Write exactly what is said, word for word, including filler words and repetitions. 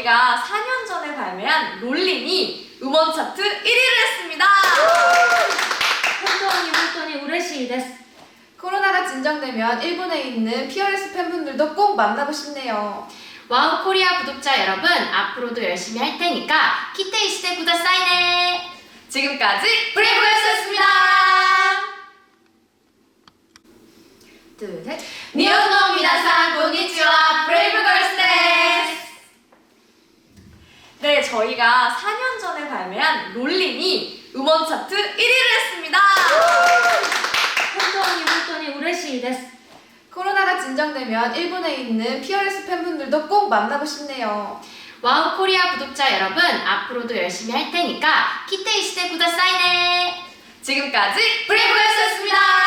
저희가 사 년 전에 발매한 롤린이 음원 차트 일 위를 했습니다. 本当に本当に嬉しいです。 코로나가 진정되면 일본에 있는 피어레스 팬분들도 꼭 만나고 싶네요. 와우 코리아 구독자 여러분, 앞으로도 열심히 할 테니까 기대してくださいね. 지금까지 브레이브걸스였습니다. 둘, 셋. 니혼노 미나상 고니치와 브레이브걸스 데스. 네, 저희가 사 년 전에 발매한 롤린이 음원 차트 일 위를 했습니다. 本当に本当に嬉しいです。 코로나가 진정되면 일본에 있는 피어레스 팬분들도 꼭 만나고 싶네요. 와우 코리아 구독자 여러분, 앞으로도 열심히 할 테니까 기대してくださいね. 지금까지 브레이브걸스였습니다.